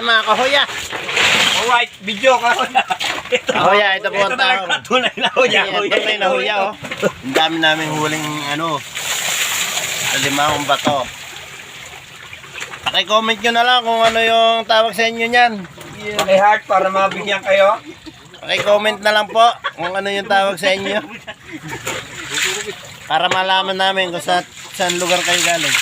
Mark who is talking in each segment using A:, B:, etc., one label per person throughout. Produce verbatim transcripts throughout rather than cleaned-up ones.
A: mga kahoya.
B: Alright, video kahoya.
A: Kahoya, ito po ang tao.
B: Tunay na huya.
A: Tunay na huya, oh. Ang dami namin huling, ano, limang bato. Paki-comment nyo na lang kung ano yung tawag sa inyo niyan.
B: Paki-heart para mabigyan kayo.
A: Paki-comment na lang po kung ano yung tawag sa inyo. Para malaman namin kung sa, saan lugar kayo galing.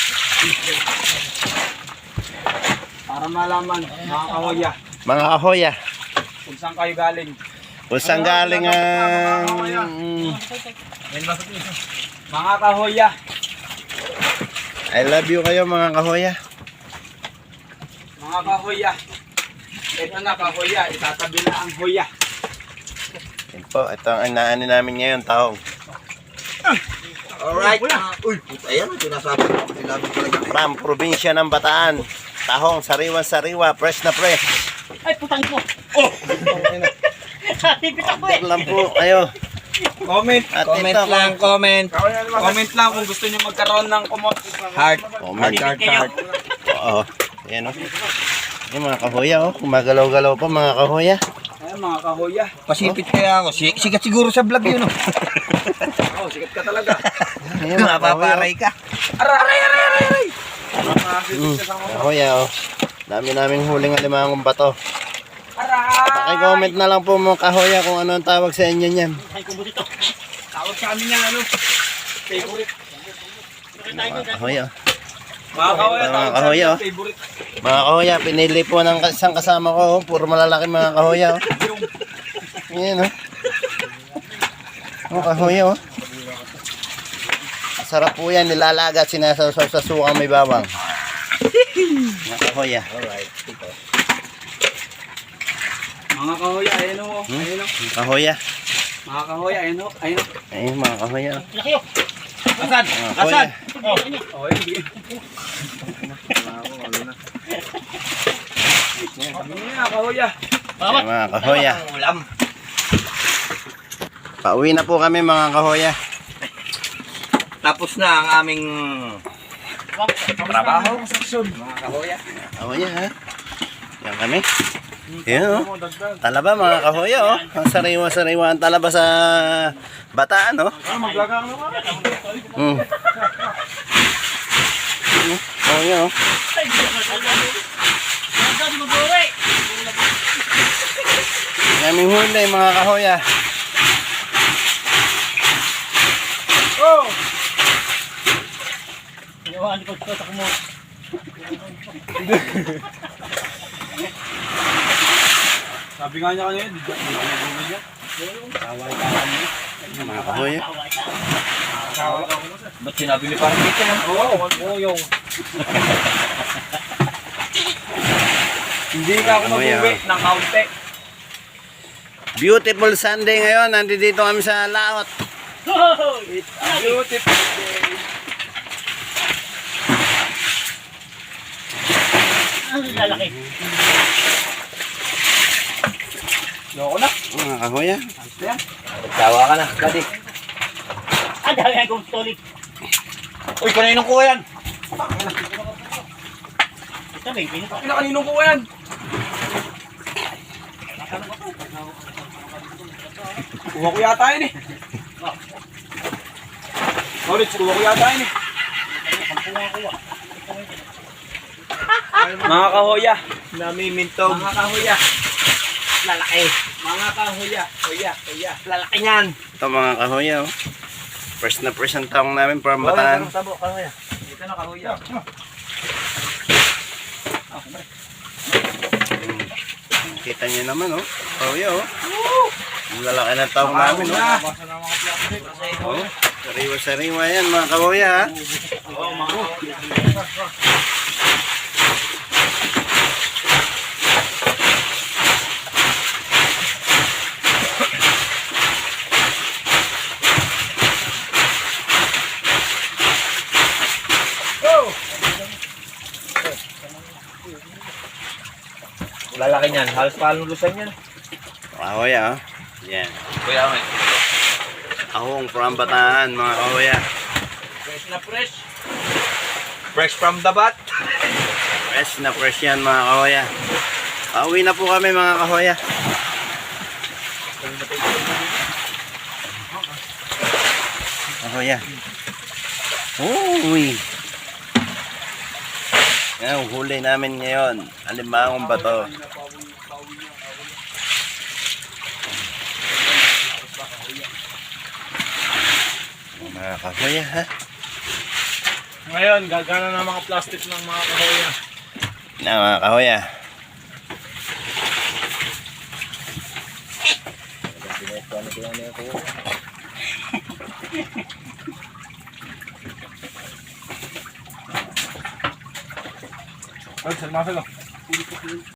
B: Para malaman, mga kahoya,
A: Mga kahoya,
B: kung saan kayo galing.
A: kung saan galing ang...
B: Mga kahoya,
A: I love you kayo mga kahoya.
B: mga kahoya. Ito na kahoya, itatabi na ang hoya.
A: Yan po, ito ang inaani namin ngayon, tahong.
B: Alright. Uy, ayan, sinasabi ko. Sinabi talaga.
A: From probinsya ng Bataan. Tahong, sariwa-sariwa, fresh na fresh.
C: Ay, putang ko.
B: Oh!
C: Higit ako eh.
A: Order lang po kayo.
B: Comment,
A: At
B: comment
A: ito,
B: lang, comment. Comment lang kung gusto niyo magkaroon ng kumot. Heart.
A: Comment.
B: Heart, heart, heart.
A: Oo. Yan o. Yung mga kahoya o. Gumagalaw-galaw pa mga kahoya.
B: Ayan, mga kahoya. Pasipit kaya ako. Si- Sikat siguro sa vlog yun, oh. Oo, sikat ka talaga.
A: Ayan, mga kahoya.
B: ka. Aray, aray, aray, aray, aray.
A: Mm, kahoya o. Dami naming huling alimangong bato.
B: Aray.
A: Paki-comment na lang po mga kahoya kung ano ang tawag sa inyo niyan.
C: Ay, kumbot ito.
B: Tawag sa amin yan, ano? Favorite.
A: Mga kahoya o.
B: Mga kahoya,
A: Mga
B: tawag sa
A: kahoya,
B: amin
A: oh.
B: yan, favorite.
A: Mga kahoya, pinili po ng isang kasama ko. Oh. Puro malalaki mga kahoya o. Ayan o. Mga kahoya o. Sarap po yan, nilalaga at sinasawsaw sa sukang may bawang. Mga kahoya.
B: Alright, ito. Mga kahoya, ayun o.
A: Hmm?
B: Ayun o.
A: Mga kahoya.
B: Mga kahoya, ayun o. Ayun o.
A: Ayun mga kahoya o.
C: Laki oh.
B: Asan?
A: Mga kahoya.
B: Oh, oh, hindi. Kami nga, kahoya.
A: Ayan, mga kahoya.
B: Ulam.
A: Pauwi na po kami mga kahoya.
B: Tapos na ang aming trabaho. Mga kahoya.
A: Kahoya ha. Yan kami. Yan o. Talaba mga kahoya o. Ang sariwa-sariwa ang talaba sa Bataan o.
B: Maglagang naman.
A: Hmm. Kahoya o.
C: Ay, Ang mag-uwi.
A: Naming huli mga kahoya.
B: Oh!
C: Ginawahan ko ito sa kumot.
B: Sabi nga niya kanina, di ba niya? Taway-taway niya.
A: Mga kahoya.
B: Ba't sinabi ni parang dito yan? Oo, oo yung. Hindi ka ako mag-uwi ng kaunti.
A: Beautiful Sunday ngayon. Nandito kami sa laot.
B: It's a beautiful day.
C: Ang lalaki.
B: Loko na.
A: Mga kahoya.
B: Ano yan? Nagtawa ka na, buddy.
C: Ang dami ang kumstolik.
B: Uy, kaninong kuha yan?
C: Ito ba yung pinito?
B: Ina, kaninong kuha yan? Kuha ko yata yun eh. Sorry, kuha ko yata yun eh. Mga kahoya, namimintog. Mga kahoya, lalaki. Mga kahoya, hoya, hoya. Lalaki niyan.
A: Ito mga kahoya oh. First na first ang taong namin from Bataan.
B: Tabo, kahoya. Ito na kahoya.
A: Kita niyo naman oh. Kahoya oh. Ang lalaki ng taong namin oh. Oh. Sariwa-sariwa yan mga kahoya ha.
B: Oo, mga kahoya. Lalaki niyan, halos palulusan yan.
A: Kahoya oh. Yan.
B: Kuya, may.
A: Ahong from Bataan mga kahoya.
B: Fresh na fresh. Fresh from the bat.
A: Fresh na fresh yan mga kahoya. Pauwi na po kami mga kahoya. Kahoya. Uy. Yan, huli namin ngayon. Alimangong bato. Mga kahoya ha.
B: Ngayon, gagana na mga plastic ng mga kahoya.
A: Na mga kahoya.
B: Ay, salma sila.